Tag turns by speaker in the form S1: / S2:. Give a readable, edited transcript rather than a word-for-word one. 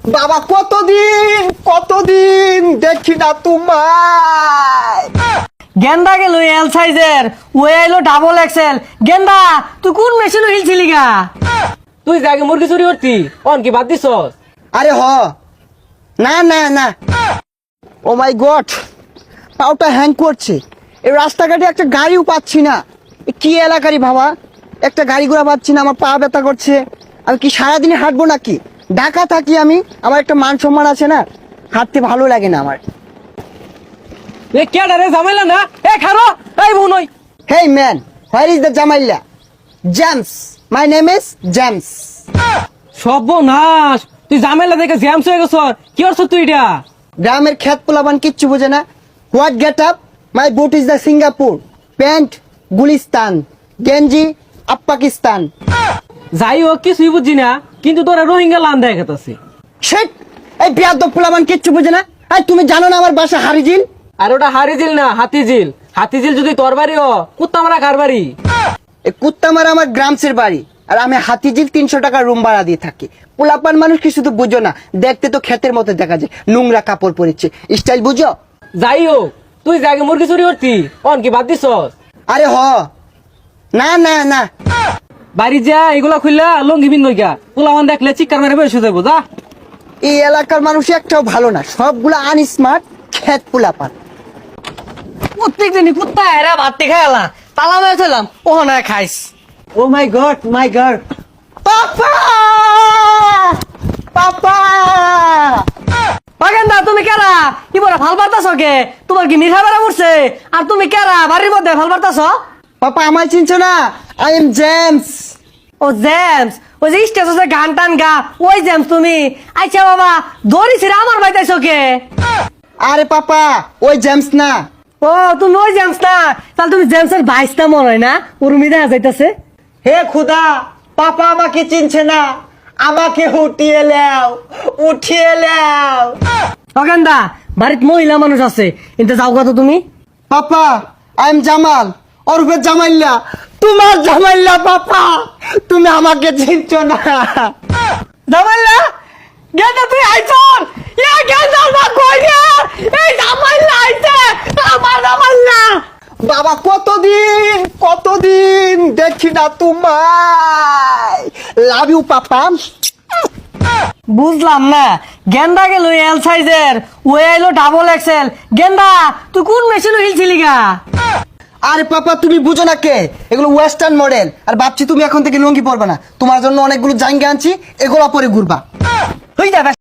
S1: বাবা কতদিন কতদিন দেখি না তোমায়।
S2: গেন্দা গেল এল সাইজের, ও এলো ডাবল এক্সেল। গেন্দা তুই কোন মেশিন হিলছিলি গা?
S3: তুই যে আগে মুরগি চুরি করতি অন কি বাদ দিছস?
S1: আরে হ, না না না, ও মাই গড, পাউটা হ্যাং করছে। এই রাস্তাঘাটে একটা গাড়িও পাচ্ছি না। এ কি এলাকারই বাবা, একটা গাড়ি ঘোড়া পাচ্ছি না, আমার পা ব্যথা করছে। আমি কি সারাদিনে হাঁটবো নাকি? ঢাকা থাকি আমি, আমার একটা মান সম্মান আছে না, হাঁটতে ভালো লাগে না আমার।
S3: এ কেডা রে জামাইলা না? এ খারো, এই বুনই।
S1: Hey man, where is the জামাইলা? James, my name is James.
S3: সর্বনাশ, তুই জামাইলা দেখে জ্যামস হয়ে গেছ। কি করছ তুই এটা?
S1: গ্রামের খেত পোলাবান কিচ্ছু বোঝে না। What get up? My boot is the Singapore, pant Gulistan, গেঞ্জি আপ পাকিস্তান।
S3: যাই হোক কিছুই বুঝছি না, কিন্তু তোরা রোহিঙ্গা লান দেখাতাছি।
S1: শেট, এই বিয়াদব পোলাবান কিচ্ছু বোঝে না। এই তুমি জানো না আমার বাসা হারিজিল?
S3: আর ওটা হারিজিল না হাতিঝিল। হাতিঝিল যদি তোর বাড়ি ও, কুত্তা মারা কার বাড়ি?
S1: এই কুত্তামারা আমার গ্রামসের বাড়ি, আর আমি হাতিঝিল 300 টাকা রুম ভাড়া দিয়ে থাকি। পোলাপান মানুষ কি শুধু বুঝো না, দেখতে তো ক্ষেতের মতো দেখা যায়, নোংরা কাপড় পরেছে, স্টাইল বুঝো?
S3: যাই হোক, তুই যে আগে মুরগি চুরি করতি অন কি বাদ দিছস?
S1: আরে হ, না না না,
S3: বাড়ি যা এগুলা খুললা লঙ্গি বিন নইকা পোলাওয়ান দেখলে চিৎকার মেরে বসে যাবো। যা।
S1: এই এলাকার মানুষ একটাও ভালো না, সবগুলা আনস্মার্ট ক্ষেত পোলাপান।
S2: প্রত্যেক দিনই কুত্তা এরা ভাত খাই এলা তালা মেরে চলাম, ও না খাইস।
S1: Oh my god, my god, papa papa.
S2: Genda তুমি কেরা? কি বলে ভাল বার্তাছ কে? তোমার কি মিঠা বেড়া পড়ছে? আর তুমি কেরা বাড়ির মধ্যে ভাল বার্তাছ?
S1: পাপা আমায় চিনছো না? I am James.
S2: Oh James, ওই যে স্টেজে গান টান গা, ওই জেমস তুমি? আচ্ছা বাবা, দড়িছি আমার বাইতাইছ কে?
S1: আরে পাপা, ওই জেমস না।
S2: ও তুমি ওই জেমস না? তাহলে তুমি জেমসের ভাইসটা মনে হয় না? উর্মি দেখা যাইতাছে।
S1: হে খুদা, পাপা আমাকে চিনছে না, আমাকে উঠিয়ে লাও, উঠিয়ে লাও।
S2: গেন্দা বাড়িত মহিলা মানুষ আছে, কিন্তু যাও কত তুমি?
S1: পাপা আই এম জামাল, ওরফে জামাইল্লা, তোমার জামাইল্লা। পাপা তুমি আমাকে চিনছো না।
S2: জামাইলা গেন্দা তুই আইছন? ইয়া গেন্দা মা কই রে? এই জামাইলা আইছে, আমার জামাইলা।
S1: বাবা কতদিন কতদিন দেখি না তোমায়। Love you papa.
S2: বুঝলাম না, গেন্দা গেল এল সাইজের, ও এলো ডাবল এক্সেল। গেন্দা তুই কোন মেশিন হিলছিলি গা?
S1: আরে পাপা তুমি বুঝো না কে, এগুলো ওয়েস্টার্ন মডেল। আর ভাবছি তুমি এখন থেকে লুঙ্গি পরবে না, তোমার জন্য অনেকগুলো জাঙ্গা আনছি, এগুলো পরে ঘুরবা।
S2: হই যাবে।